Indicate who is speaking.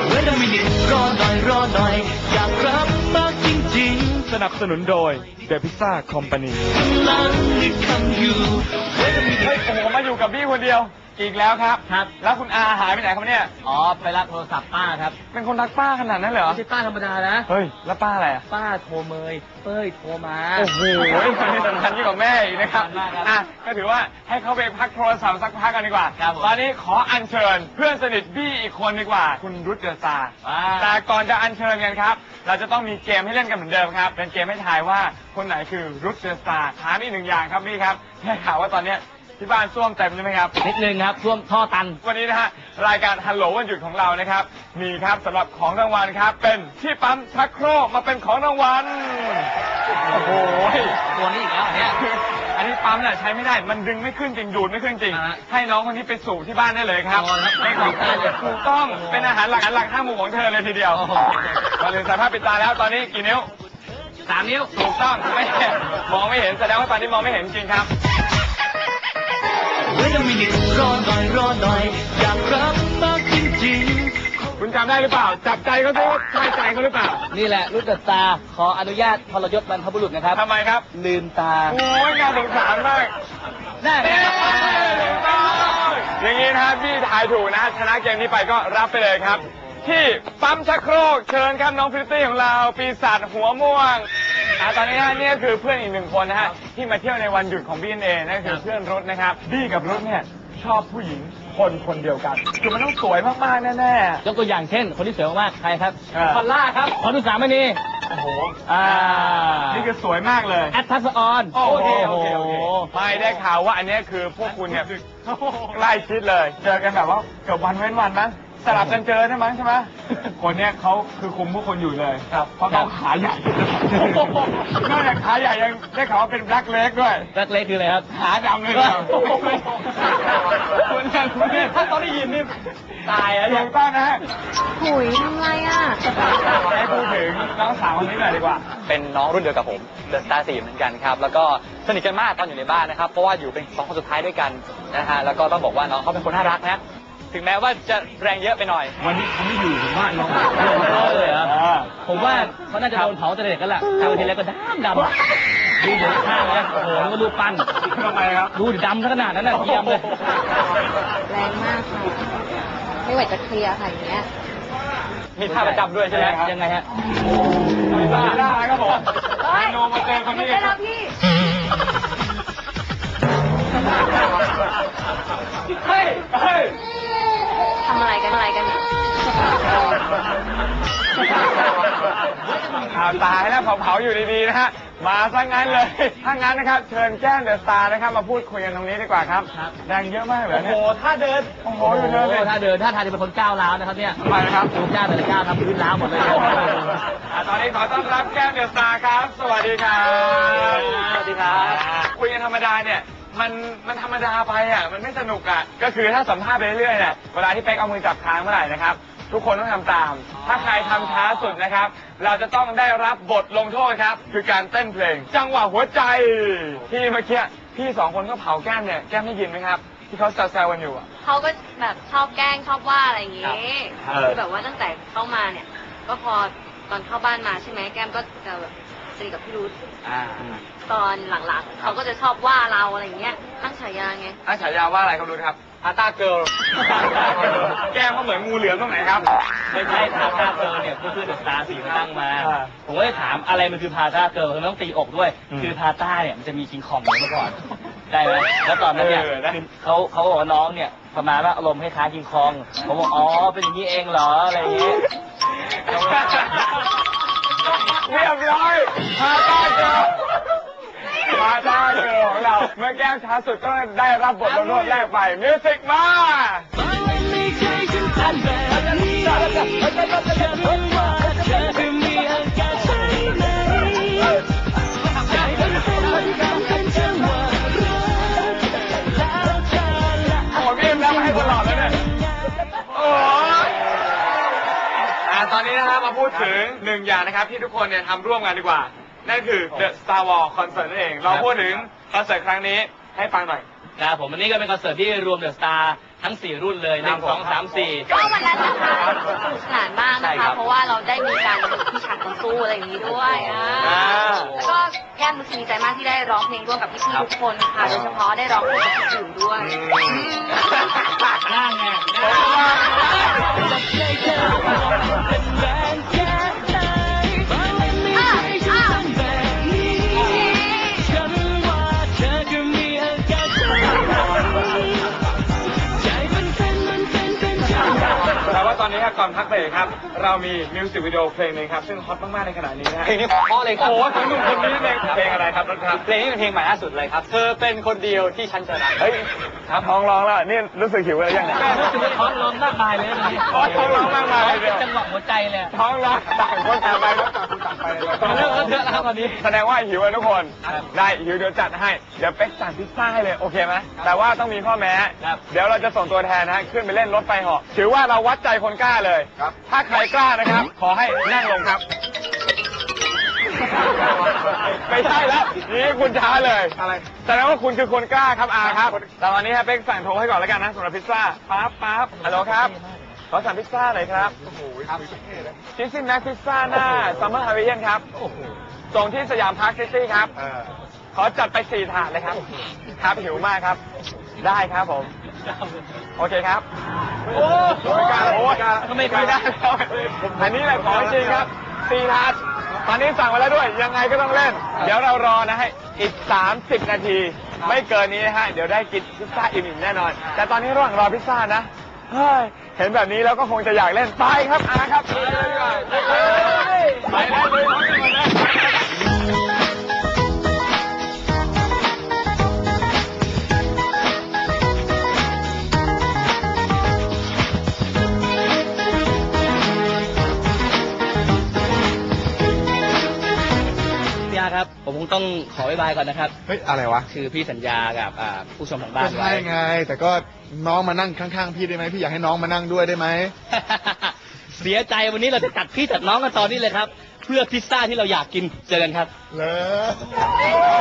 Speaker 1: เวลามินิรอหน่อยรอหน่อยอยากรับมากจริงๆ
Speaker 2: สนับสนุนโดย The Pizza Company
Speaker 1: กำลังนึกคำอยู่เวลามินิ
Speaker 2: เฮ้ยผมมาอยู่กับพี่คนเดียวอีกแล้วครับ
Speaker 3: ครับ
Speaker 2: แล้วคุณอาหายไปไหนครับเนี่ย
Speaker 3: อ๋อไปรับโทรศัพท์ป้าครับ
Speaker 2: เป็นคนรักป้าขนาดนั้นเลยเหรอ
Speaker 3: ไม่ใช่ป้าธรรมดานะ
Speaker 2: เฮ้ยแล้วป้าอะไรอ่ะ
Speaker 3: ป้าโทรเมยเป้ยโทรมา
Speaker 2: โอ้โหคนนี้สำคัญยิ่งกว่าแม่อีกนะครับ
Speaker 3: สำคัญมากครับ
Speaker 2: อ่ะก็ถือว่าให้เขาไปพักโทรศัพท์สักพักกันดีกว่า
Speaker 3: ครับผม
Speaker 2: ตอนนี้ขออัญเชิญเพื่อนสนิทบี้อีกคนดีกว่า คุณรุตเดอะสตาร์
Speaker 3: ว้า
Speaker 2: แต่ก่อนจะอัญเชิญกันครับ เราจะต้องมีเกมให้เล่นกันเหมือนเดิมครับ เป็นเกมให้ทายว่าคนไหนคือรุตเดอะสตาร์ถามอีกหนึ่งอย่างครับพี่ครับได้ข่าวว่าตอนเนี้ยที่บ้านส้วมเต็มใช่ไหมครับ
Speaker 3: นิดนึงครับท่วมท่อตัน
Speaker 2: วันนี้นะฮะรายการฮัลโหลวันหยุดของเรานะครับมีครับสำหรับของรางวัลครับ เป็นที่ปั๊มชักโครกมาเป็นของรางวัลโอ้โห
Speaker 3: ตัวนี้อีกแล้วเนี่ย
Speaker 2: อันนี้ปั๊มเนี่ยใช้ไม่ได้มันดึงไม่ขึ้นจริงดูดไม่ขึ้นจริง
Speaker 3: อ่า
Speaker 2: ให้น้องคนนี้ไปสู่ที่บ้านได้เลยครับ
Speaker 3: อ๋อครับ
Speaker 2: เป็นของทานเลยถูกต้องเป็นอาหารหลักห้าหมู่ของเธอเลยทีเดียว
Speaker 3: โอ้โห
Speaker 2: มาถึงสายภาพปิดตาแล้วตอนนี้กี่นิ้ว
Speaker 3: 3 นิ้ว
Speaker 2: ถูกต้องไม่มองไม่เห็นแสดงว่าตอนนี้มองไม่เห็นจริงครับ
Speaker 1: เวลามินิรอหน่อยรอหน่อยอยากรับมากจริง
Speaker 2: คุณจำได้หรือเปล่า จับใจเขาซิว่าใช่ใจเขาหรือเปล่า
Speaker 3: นี่แหละรุ่นเดอะสตาร์ขออนุญาตทรยศบรรพบุรุษนะครับ
Speaker 2: ทำไมครับ
Speaker 3: ลืมตา
Speaker 2: โอ้ยน่าสงสารมาก
Speaker 3: ได้
Speaker 2: เย้ถูกต้องอย่างนี้นะครับพี่ทายถูกนะชนะเกมนี้ไปก็รับไปเลยครับ ที่ปั๊มชักโครกเชิญครับน้องพริตตี้ของเราปีศาจหัวม่วงตอนนี้นะนี่ก็คือเพื่อนอีกหนึ่งคนนะฮะที่มาเที่ยวในวันหยุดของพี่เอนั่นคือเพื่อนรุธนะครับบี้กับรุธเนี่ยชอบผู้หญิงคนเดียวกันคือมันต้องสวยมากๆแน่
Speaker 3: ยกตัวอย่างเช่น คนที่สวยมากๆใครครับ
Speaker 2: พอลล่าครับ
Speaker 3: ขอดู3ไม่มี
Speaker 2: ๆโอ้โห
Speaker 3: อ่า
Speaker 2: นี่คือสวยมากเลย
Speaker 3: แอดทัสออน
Speaker 2: โอเคไม่ได้ข่าวว่าอันนี้คือพวกคุณเนี่ยใกล้ชิดเลย เจอกันแบบว่าเกือบวันเว้นวันมั้งสลับกันเจอใช่ไหมใช่ไหมคนเนี้ยเขาคือคุมพวกคนอยู่เลยครับเพราะเขาขาใหญ่นอกจากขาใหญ่ยังได้ข่าวว่าเป็นแบล็คเล็กด้วย
Speaker 3: แบล็คเล็กคืออะไรครับ
Speaker 2: ขาดำเลยครับคุณเนี่ยถ้าตอนได้ยินนี่ตายแล้วถูกต้องนะฮะ
Speaker 4: หุยทำไรอ่ะ
Speaker 2: ให้พูดถึงน้องสาวคนนี้หน่อยดีกว่า
Speaker 5: เป็นน้องรุ่นเดียวกับผมเดอะสตาร์4เหมือนกันครับ แล้วก็สนิทกันมากตอนอยู่ในบ้านนะครับ เพราะว่าอยู่เป็น2 คนสุดท้ายด้วยกันนะฮะ แล้วก็ต้องบอกว่าน้องเขาเป็นคนน่ารักนะ ถึงแม้ว่าจะแรงเยอะไปหน่อย
Speaker 2: วันนี้เขาไม่อยู่ผมว่าน้อง
Speaker 3: เลยเหรอผมว่าเขาน่าจะโดนเผาแต่เด็กกันแหละทำทีแรกก็ดำดูเดี๋ยวข้างแล้วโอ้โหนึกว่ารูปปั้น
Speaker 2: ทำไมครับ
Speaker 3: ดูดิดำซะขนาดนั้นน่ะเยี่ยมเลย
Speaker 4: แรงมากค่ะ ไม่ไหวจะเคลียร์ค่ะอย่างเงี้ย
Speaker 5: มีท่าประจำด้วยใช่ไหม
Speaker 3: ยังไงฮะ
Speaker 2: ไม่ได้ครับผมโนมาเจอคนนี้
Speaker 4: ได้แล้วพี่
Speaker 2: เฮ้ยเฮ้ย
Speaker 4: ทำอะไรกันเนี่ย
Speaker 2: ตายแล้วเผาๆอยู่ดีๆนะฮะ มาซะงั้นเลย ถ้างั้นนะครับ เชิญแก้มเดอะสตาร์นะครับ มาพูดคุยกันตรงนี้ดีกว่าครับ แรงเยอะมากเลย
Speaker 3: โอ้
Speaker 2: เนี่
Speaker 3: โห
Speaker 2: ย
Speaker 3: ท่าเดิน
Speaker 2: โอ้โหอยู่เดินเลย
Speaker 3: ถ้าเดินท่าทางจะเป็นคนก้าวร้าวนะครับเนี่ย
Speaker 2: ทำไมครับ
Speaker 3: ดูก้าวแต่ละก้าวทำพื้นร้าวหมดเลย
Speaker 2: ตอนนี้ขอต้อนรับแก้มเดอะสตาร์ครับ สวัสดีครับ
Speaker 3: สวัสดีครับ
Speaker 2: คุยกันธรรมดาเนี่ย มันธรรมดาไปอ่ะ มันไม่สนุกอ่ะ ก็คือถ้าสัมภาษณ์ไปเรื่อยๆเนี่ย เวลาที่เป๊กเอามือจับค้างเมื่อไหร่นะครับ ทุกคนต้องทำตาม ถ้าใครทำช้าสุดนะครับ เราจะต้องได้รับบทลงโทษครับ คือการเต้นเพลง จังหวะหัวใจ ที่เมื่อกี้พี่2 คนก็เผาแก้มเนี่ย แก้มได้ยินไหมครับ ที่เขาแซวๆกันอยู่อ่ะ
Speaker 4: เขาก็แบบชอบแกล้งชอบว่าอะไรอย่างงี้
Speaker 2: ครับ
Speaker 4: คือแบบว่าตั้งแต่เข้ามาเนี่ย ก็พอตอนเข้าบ้านมาใช่ไหมแก้มก็จะแบบสนิทกับพี่รุธตอนหลังๆเขาก็จะชอบว่าเราอะไรอย่างเงี้ยตั้งฉายาไง
Speaker 2: ตั้งฉายาว่าอะไรเขารู้ครับพาต้าเกิร์ล แก้มเขาเหมือนงูเหลือมตรงไหนครับ
Speaker 3: ไม่ใช่พาท่าเกิร์ลเนี่ยเพื่อนเดอะสตาร์4เขาตั้งมา
Speaker 2: อ่า
Speaker 3: ผมก็เลยถามอะไรมันคือพาท่าเกิร์ลทำไมต้องตีอกด้วย คือพาต้าเนี่ยมันจะมีคิงคองอยู่เมื่อก่อน ได้ไหมแล้วตอนนั้นเนี่ยเขาบอกว่าน้องเนี่ยประมาณว่าอารมณ์คล้ายๆคิงคองผมบอกอ๋อเป็นอย่างนี้เองเหรออะไรอย่างนี้
Speaker 2: เรียบร้อยพาต้าเกิร์ลพาต้าเกิร์ลของเรา เมื่อแก้มช้าสุดก็ได้รับบทลงโทษแรกไปมิวสิกมา
Speaker 1: ไม่เคยฉันผ่านแบบนี้ฉันรู้ว่าเธอจะมีอาการใช่ไหมใจมันเป็นจังหวะรักแล้วเธอละ
Speaker 2: โอ้โหพี่เอ็มรับมาให้ตลอดเลยเนี่ย โอ้ยตอนนี้นะครับมาพูดถึงหนึ่งอย่างนะครับที่ทุกคนเนี่ยทำร่วมกันดีกว่า นั่นคือ The Star Wars Concert นั่นเอง เราพูดถึงคอนเสิร์ตครั้งนี้ให้ฟังหน่อย
Speaker 3: ครับผมอันนี้ก็เป็นคอนเสิร์ตที่รวมเดอะสตาร์ทั้ง 4 รุ่นเลย1 2 3 4
Speaker 4: ก็วันนั้นนะคะสนุกสนานมาก
Speaker 3: ใช่
Speaker 4: นะ
Speaker 3: ครั
Speaker 4: คะ
Speaker 3: บ
Speaker 4: เพราะว่าเราได้มีการพิชาต่อสู้อะไรอย่างนี้ด้วยแล้วก็แก้มรู้สึกดีใจมากที่ได้ร้องเพลงร่วมกับพี่ๆทุกคนค่ะโดยเฉพาะได้ร้องเพลงกับพี่อื่นด้วย
Speaker 3: นั่งไง
Speaker 2: แต่ว่าตอนนี้ครับก่อนพักเบรกครับ เรามีมิวสิกวิดีโอเพลงหนึงครับซึ่งฮอตมากๆในขณะนี้นะฮะ
Speaker 5: เพลงนี้เพราะเลยครับ
Speaker 2: โอ้โหของหนุ่มคนนี้เองเพลงอะไรครับรถครับ
Speaker 5: เพลงนี้เป็นเพลงใหม่ล่าสุดเลยครับ เธอเป็นคนเดียวที่ฉันจะรัก
Speaker 2: เฮ้ยครับท้องร้องแล้วนี่รู้สึกหิวอะไรยังไง
Speaker 3: รู้สึกว่าท้องร้องมากมายเลยนะ
Speaker 2: ท้องร้องมากมายเลย
Speaker 3: เป็นจังหวะหัวใจเลย
Speaker 2: ท้องร้องต่างคนต่างไปครับต่างคนต่างไปเลย
Speaker 3: เรื่องเยอะแล้วครับตอนนี้
Speaker 2: แสดงว่าหิวกันทุกคน ได้หิวเดี๋ยวจัดให้ เดี๋ยวเป๊กสั่งพิซซ่าให้เลยโอเคไหมแต่ว่าต้องมีข้อแม้ เดี๋ยวเราจะส่งตัวแทนนะฮะขึ้นไปเล่นรถไฟเหาะถือว่าเราวัดใจคนกล้าเลย ถ้าใครกล้านะครับ ขอให้นั่งลงครับ ไม่ใช่แล้วนี่คุณช้าเลยอะไรแสดงว่าคุณคือคนกล้าครับอาครับแต่วันนี้ฮะเป๊กสั่งโทรให้ก่อนแล้วกันนะสำหรับพิซซ่าปั๊บฮัลโหลครับขอสั่งพิซซ่าหน่อยครับชิสซี่แม็กพิซซ่าหน้าซัมเมอร์ฮาวิเอียนครับส่งที่สยามพาร์คซิตี้ครับขอจัดไป4 ถาดเลยครับครับหิวมากครับได้ครับผมโอเคครับโอ้ไม่กล้าโอ้ทำไมไม่ได้แล้วอันนี้แหละของจริงครับ4 ถาดตอนนี้สั่งมาแล้วด้วยยังไงก็ต้องเล่นเดี๋ยวเรารอนะฮะอีก30 นาทีไม่เกินนี้นะฮะเดี๋ยวได้กินพิซซ่าอิ่มๆแน่นอนแต่ตอนนี้ระหว่างรอพิซซ่านะเฮ้ยเห็นแบบนี้แล้วก็คงจะอยากเล่นไปครับอาครับไปเลยดีกว่าไปได้เลยพร้อมกันหมดเลย
Speaker 3: พี่อาครับผมคงต้องขอบ๊ายบายก่อนนะครับ
Speaker 6: เฮ้ย อะไรวะ
Speaker 3: คือพี่สัญญากับผู้ชมทางบ้า
Speaker 6: ก็
Speaker 3: นไว้
Speaker 6: ใช่ไง แต่ก็น้องมานั่งข้างๆพี่ได้ไหมพี่อยากให้น้องมานั่งด้วยได้ไหม
Speaker 3: เสียใจวันนี้เราจะจัดพี่จัดน้องกันตอนนี้เลยครับ เพื่อพิซซ่าที่เราอยากกินเจอกันครับ
Speaker 6: เลย